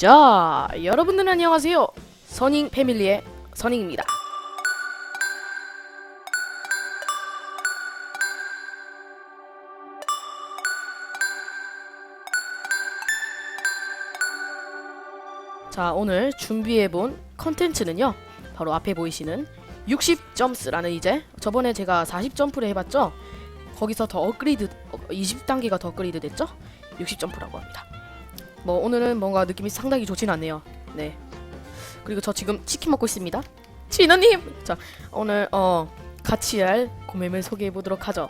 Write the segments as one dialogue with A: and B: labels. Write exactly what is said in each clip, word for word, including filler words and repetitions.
A: 자, 여러분들 안녕하세요. 선잉 패밀리의 선잉입니다. 자, 오늘 준비해본 컨텐츠는요, 바로 앞에 보이시는 육십 점스라는, 이제 저번에 제가 사십 점프를 해봤죠. 거기서 더 업그레이드, 이십 단계가 더 업그레이드 됐죠. 육십 점프라고 합니다. 뭐 오늘은 뭔가 느낌이 상당히 좋진 않네요. 네. 그리고 저 지금 치킨 먹고 있습니다. 진우님! 자, 오늘 어 같이 할 고멤을 소개해보도록 하죠.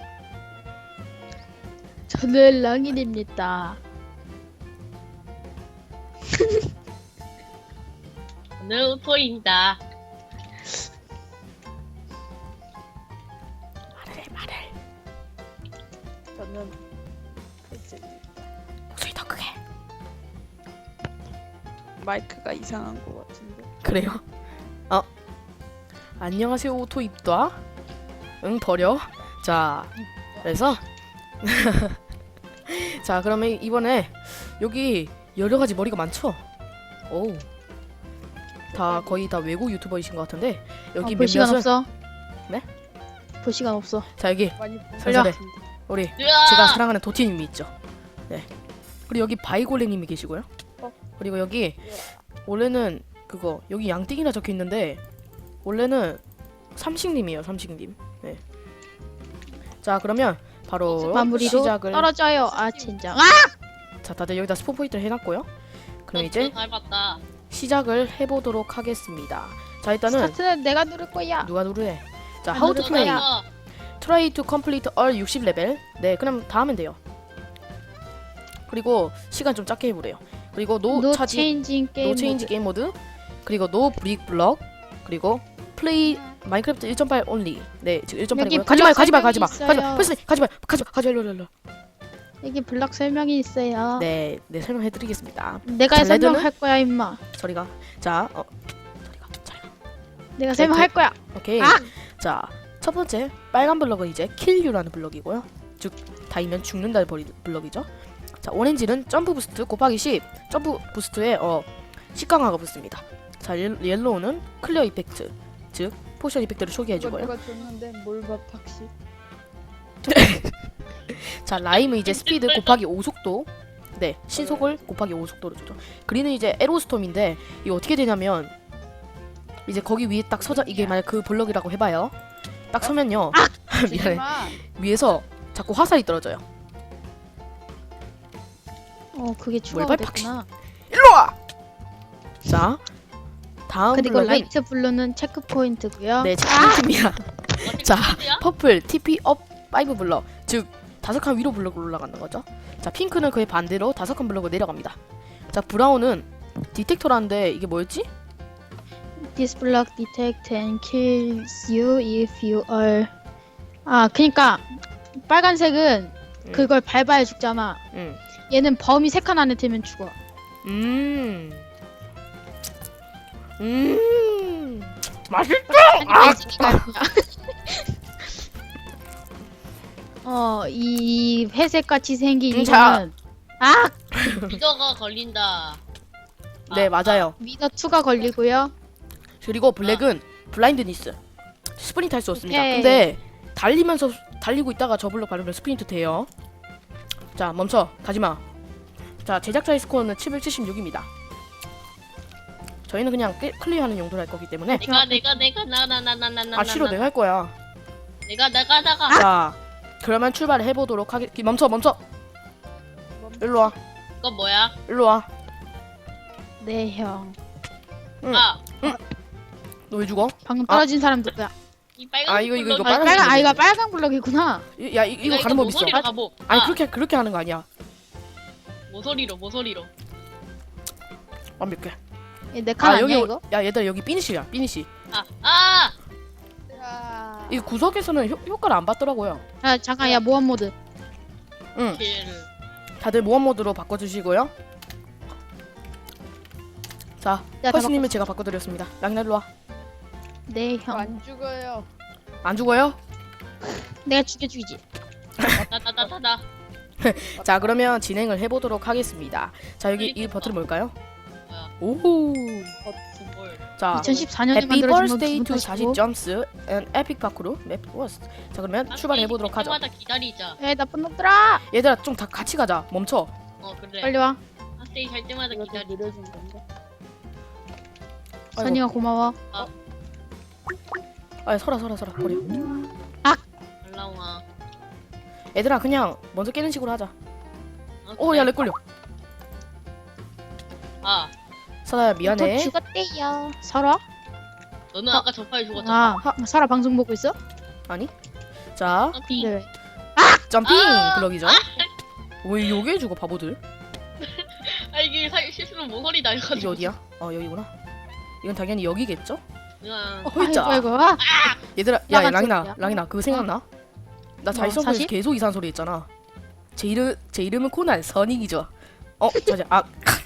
B: 저는 랑인입니다.
C: 저는 우토입니다.
A: 말을 해, 말을.
B: 저는
A: 목소리 더 크게.
B: 마이크가 이상한 것 같은데.
A: 그래요? 어. 안녕하세요, 오토입다. 응, 버려. 자, 그래서 자, 그러면 이번에 여기 여러가지 머리가 많죠? 오. 다 거의 다 외국 유튜버이신 것 같은데 여기
B: 어, 볼 시간
A: 몇몇은
B: 없어.
A: 네?
B: 볼 시간 없어.
A: 자, 여기
B: 많이
A: 살살해. 우리
C: 으아!
A: 제가 사랑하는 도티님이 있죠. 네. 그리고 여기 바이골레님이 계시고요.
B: 어?
A: 그리고 여기 원래는 그거 여기 양띵이라 적혀 있는데 원래는 삼식님이에요. 삼식님. 네. 자, 그러면 바로
B: 마무리로
A: 시작을.
B: 떨어져요. 아 진짜. 아!
A: 자, 다들 여기다 스폰 포인트를 해놨고요. 그럼 이제
C: 잘 봤다.
A: 시작을 해보도록 하겠습니다. 자, 일단은
B: 스타트는 내가 누를 거야.
A: 누가 누르래? 자,
B: 안
A: how to
B: 누를
A: play.
B: 거야.
A: Try to complete all 육십 레벨. 네, 그럼 다 하면 돼요. 그리고 시간 좀 짧게 해보래요. 그리고 노
B: 노
A: 차지,
B: 체인징 게임.
A: 노 체인지
B: 모드.
A: 게임 모드. 그리고 노 브릭 블럭. 그리고 플레이 마인크래프트 일 점 팔 only. 네, 지금 일 점 팔이고요.
B: 여기
A: 가지 마요, 가지 마요,
B: 블럭
A: 가지 마,
B: 설명이
A: 가지 마,
B: 있어요.
A: 패스, 가지 마요, 가지 마, 가지 마, 일로, 일로, 일로.
B: 여기 블럭 설명이 있어요.
A: 네, 네, 설명해드리겠습니다.
B: 내가
A: 자, 레드는?
B: 설명할 거야 임마.
A: 저리가, 자, 어, 저리가, 저리가.
B: 내가 설명할 거야.
A: 오케이.
B: 아!
A: 자, 첫 번째 빨간 블럭은 이제 kill you라는 블럭이고요. 즉 닿으면 죽는다는 버리- 블럭이죠. 자, 오렌지는 점프 부스트 곱하기 십. 점프 부스트에 어 식강화가 붙습니다. 자, 옐, 옐로우는 클리어 이펙트, 즉 포션 이펙트를 초기해주고요.
B: 누가 줬는데 뭘봐 박씨.
A: 자, 라임은 이제 스피드 곱하기 오 속도. 네, 신속을 곱하기 오 속도로 주죠. 그린은 이제 에로스톰인데 이거 어떻게 되냐면 이제 거기 위에 딱 서자, 이게 만약 그 블럭이라고 해봐요. 딱 서면요. 미안해. 위에서 자꾸 화살이 떨어져요.
B: 어 그게 추가가
A: 뭘
B: 됐구나.
A: 일로 와. 자, 다음
B: 그리고
A: 블럭은
B: 라이트 블루는 체크 포인트고요.
A: 네, 체크포인트입니다. 자, 퍼플 티피 업 오 블럭, 즉 다섯 칸 위로 블럭으로 올라가는 거죠. 자, 핑크는 그의 반대로 다섯 칸 블럭으로 내려갑니다. 자, 브라운은 디텍터라는데 이게 뭐였지?
B: This block detect and kills you if you are. 아, 그니까 빨간색은
A: 음.
B: 그걸 밟아야 죽잖아.
A: 음,
B: 얘는 범위 세 칸 안에 들면 죽어.
A: 음, 음, 맛있.
B: 아! 어, 이 회색 같이 생긴
A: 음, 자.
B: 이거는 아,
C: 미더가 걸린다.
A: 네,
C: 아,
A: 맞아요.
B: 미더 이가 걸리고요.
A: 그리고 블랙은 블라인드니스, 스프린트 할 수 없습니다.
B: 오케이.
A: 근데 달리면서 달리고 있다가 저 블럭 밟으면 스프린트 돼요. 자, 멈춰, 가지마. 자, 제작자의 스코어는 칠백칠십육입니다. 저희는 그냥 클- 클리어하는 용도로 할 거기 때문에.
C: 내가 내가 내가 나 나 나 나 나 나.
A: 아, 싫어, 내가 할 거야.
C: 내가 내가 내가.
A: 자, 그러면 출발을 해보도록 하겠. 멈춰, 멈춰. 일로 와,
C: 이거 뭐야?
A: 일로 와.
B: 네, 형.
A: 응.
C: 아,
A: 너 왜 죽어?
B: 방금 떨어진 사람 누구야?
C: 이 빨간.
A: 아, 이거, 이거, 이거
C: 블럭이-
B: 아,
A: 빨간색
B: 빨간 아, 이거
A: 블럭이네.
B: 빨간 블럭이구나.
A: 이- 야, 이, 이거
C: 내가
A: 가는 법 있어.
C: 모서리로 가보.
A: 아니,
C: 아,
A: 그렇게 그렇게 하는 거 아니야.
C: 모서리로 모서리로.
A: 완벽해.
B: 내 칸
A: 아,
B: 아니야
A: 여기,
B: 이거?
A: 야, 얘들아, 여기 피니시야, 피니시.
C: 아, 아.
A: 이 구석에서는 효, 효과를 안 받더라고요.
B: 아, 잠깐, 야 모험 모드.
A: 응.
C: 킬.
A: 다들 모험 모드로 바꿔주시고요. 자,
B: 야, 다
A: 펄스님은 제가 바꿔드렸습니다. 양날 일로 와.
B: 네, 형.
D: 안 죽어요.
A: 안 죽어요?
B: 내가 죽여주지.
C: 나나나나나.
A: 자, 그러면 진행을 해보도록 하겠습니다. 자, 여기 이
C: 그러니까.
A: 버튼은 뭘까요?
C: 뭐야?
A: 오호.
C: 뭘.
A: 자,
B: 이천십사 년에
A: 해피
B: 만들어진 건
A: 버스데이
B: 기분
A: 투
B: 탓이고.
A: 사십 점스 앤 에픽 파크로 맵 워스트. 자, 그러면 출발해 보도록 하죠.
C: 때마다 기다리자.
B: 에이 나쁜 놈들아.
A: 얘들아 좀 다 같이 가자. 멈춰.
C: 어 그래.
B: 빨리 와.
C: 핫데이 할 때마다
D: 이거 좀
C: 기다리.
D: 느려진 건데.
A: 아이고.
B: 선이가 고마워.
A: 아, 서라 서라 서라 버려.
C: 올라와.
A: 얘들아 그냥 먼저 깨는 식으로 하자.
C: 어,
A: 오,
C: 그래.
A: 야, 렉 걸려.
C: 아
A: 설아야
B: 또
A: 미안해.
B: 죽었대요. 설아?
C: 너는 아까 저 파일 죽었잖아.
B: 아, 설아 방송 보고 있어?
A: 아니? 자,
C: 점핑.
B: 근데 왜?
A: 점핑
C: 아!
A: 블럭이죠. 왜 요게 주고 바보들?
C: 아 이게 사, 실수로 모서리 날려가지고.
A: 이게 어디야? 어, 여기구나. 이건 당연히 여기겠죠?
C: 그냥
A: 어, 홀자.
B: 아이고 아이고. 아,
A: 얘들아, 야,
B: 나가
A: 야 랑이나,
B: 저기야.
A: 랑이나 그거 생각나? 나 자이성에서
B: 사실?
A: 계속 이상한 소리 했잖아. 제 이름 제 이름은 코난 선익이죠. 어, 자자. 아,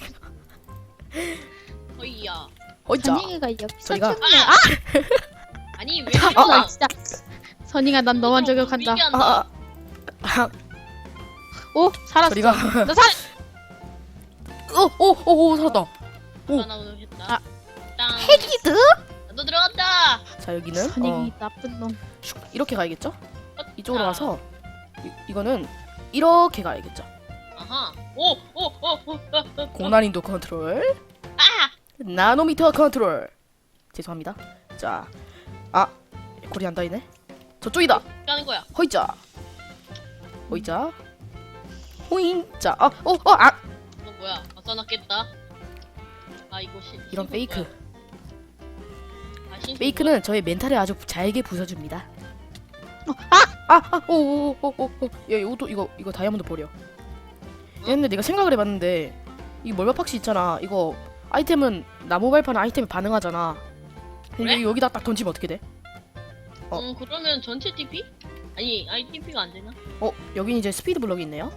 C: 어이야.
A: 어이자.
B: 선이가 여기서
A: 저리가.
B: 켰네. 아,
C: 아니 왜
A: 아,
C: 이러나?
B: 아, 진짜. 선이가 난 너만 저격한다.
A: 아, 아, 아,
B: 오, 살았어.
A: 저리가.
B: 너 살.
A: 어, 오, 오, 오, 살았다. 오.
C: 하나 오늘 했다.
B: 아.
C: 땅.
A: 헤기드.
C: 너 들어갔다.
A: 자, 여기는
B: 선이
A: 어,
B: 나쁜 놈.
A: 슉, 이렇게 가야겠죠? 이쪽으로
C: 아.
A: 가서 이, 이거는 이렇게 가야겠죠.
C: 아하. 오오오오
A: 고난이도 컨트롤,
C: 아.
A: 나노미터 컨트롤. 죄송합니다. 자, 아, 고리 안 닿이네. 저쪽이다.
C: 하는 거야.
A: 허이자, 허이자, 호인자. 아, 어, 어, 아,
C: 너 뭐야? 아 써놨겠다. 아 이거 시,
A: 이런
C: 신속
A: 페이크.
C: 뭐야? 아, 신속
A: 페이크는 저의 멘탈을 아주 잘게 부숴줍니다. 아, 아, 오, 오, 오, 오, 오, 야, 이것도 이거 이거 다이아몬드 버려. 근데 내가 생각을 해봤는데 이 멀바팍시 있잖아. 이거 아이템은 나무 발판 아이템에 반응하잖아. 근데
C: 그래?
A: 여기다 딱 던지면 어떻게 돼? 어.
C: 음 그러면 전체 티피? 아니 아니 티피가 안 되나?
A: 어, 여긴 이제 스피드 블럭이 있네요.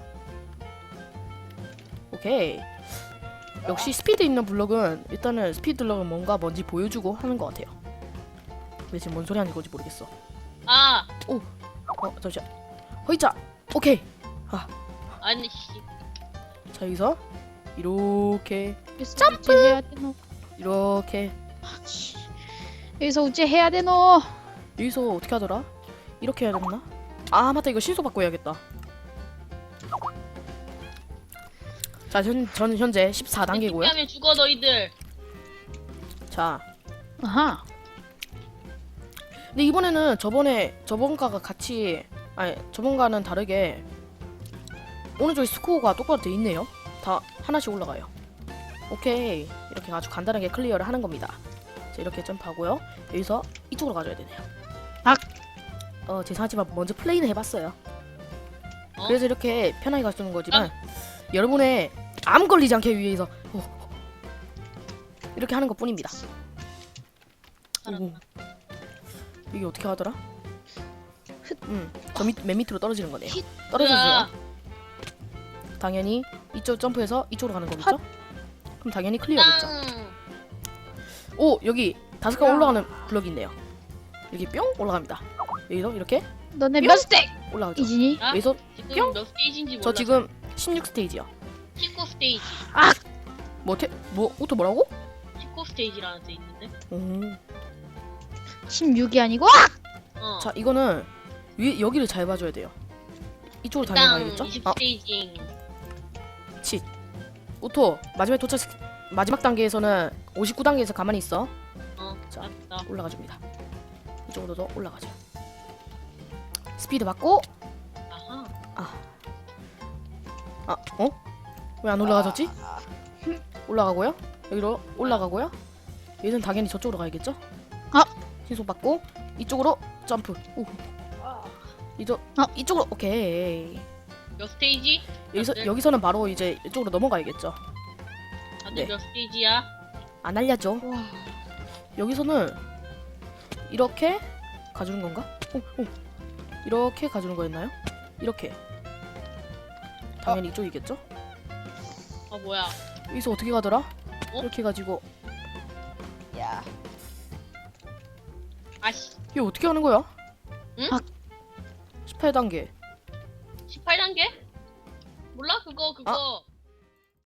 A: 오케이. 역시 스피드 있는 블럭은 일단은 스피드 블럭은 뭔가 뭔지 보여주고 하는 것 같아요. 근데 지금 뭔 소리 하는 건지 모르겠어.
C: 아
A: 어, 잠시만. 허이자. 오케이.
C: 아니 씨.
A: 자, 여기서 이렇게
B: 점프 해야 되노.
A: 이렇게
B: 씨. 여기서 우째 해야 되노.
A: 여기서 어떻게 하더라? 이렇게 해야 되나? 아, 맞다. 이거 신속 바꿔 야겠다. 자, 전, 저는 현재 십사 단계고요.
C: 하면 죽어 너희들.
A: 자,
B: 아하.
A: 근데 이번에는 저번에 저번가가 같이 아니 저번가는 다르게 오른쪽에 스코어가 똑바로 돼 있네요. 다 하나씩 올라가요. 오케이, 이렇게 아주 간단하게 클리어를 하는 겁니다. 자, 이렇게 점프하고요. 여기서 이쪽으로 가줘야 되네요.
B: 아.
A: 어, 죄송하지만 먼저 플레이는 해봤어요.
C: 어?
A: 그래서 이렇게 편하게 갈 수 있는 거지만 여러분의 암 걸리지 않게 위해서 어, 이렇게 하는 것뿐입니다.
C: 살았다.
A: 오. 이게 어떻게 하더라? 음, 저 밑, 맨 밑으로 떨어지는 거네요. 떨어져주세요. 당연히 이쪽 점프해서 이쪽으로 가는 거겠죠? 그럼 당연히 클리어겠죠.
C: 땅.
A: 오, 여기 다섯 칸 올라가는 블럭이 있네요. 여기 뿅 올라갑니다. 여기서 이렇게
B: 너네
A: 뿅!
B: 몇 스택
A: 올라가죠.
B: 이지니?
C: 나
A: 여기서
C: 지금
A: 뿅!
C: 몇 스테이지인지 몰라.
A: 저 지금 십육 스테이지요.
C: 십구 스테이지.
A: 뭐, 태, 뭐, 오토 뭐라고?
C: 십구 스테이지라는 데 있는데.
A: 오.
B: 십육이 아니고
C: 어.
A: 자, 이거는 위, 여기를 잘 봐줘야 돼요. 이쪽으로
C: 땅
A: 당연히
C: 이십
A: 가야겠죠? 아,
C: 스테이지.
A: 치. 오토 마지막 도착 마지막 단계에서는 오십구 단계에서 가만히 있어.
C: 어.
A: 자.
C: 맞다.
A: 올라가 줍니다. 이쪽으로도 올라가죠. 스피드 받고
C: 아하.
A: 아, 어? 왜 안 올라가졌지? 올라가고요. 여기로 올라가고요. 얘는 당연히 저쪽으로 가야겠죠?
B: 아!
A: 신속 받고 이쪽으로 점프. 오. 이쪽
B: 아.
A: 이쪽으로 오케이.
C: 몇 스테이지?
A: 여기서
C: 다들?
A: 여기서는 바로 이제 이쪽으로 넘어가야겠죠.
C: 다들
A: 네.
C: 몇 스테이지야?
A: 안 알려줘.
B: 와.
A: 여기서는 이렇게 가주는 건가? 오, 오. 이렇게 가주는 거였나요? 이렇게. 당연히 이쪽이겠죠?
C: 아 뭐야?
A: 여기서 어떻게 가더라?
C: 어?
A: 이렇게 가지고
D: 야.
C: 아씨.
A: 이게 어떻게 하는 거야?
C: 응?
B: 아.
A: 십팔 단계.
C: 십팔 단계? 몰라 그거 그거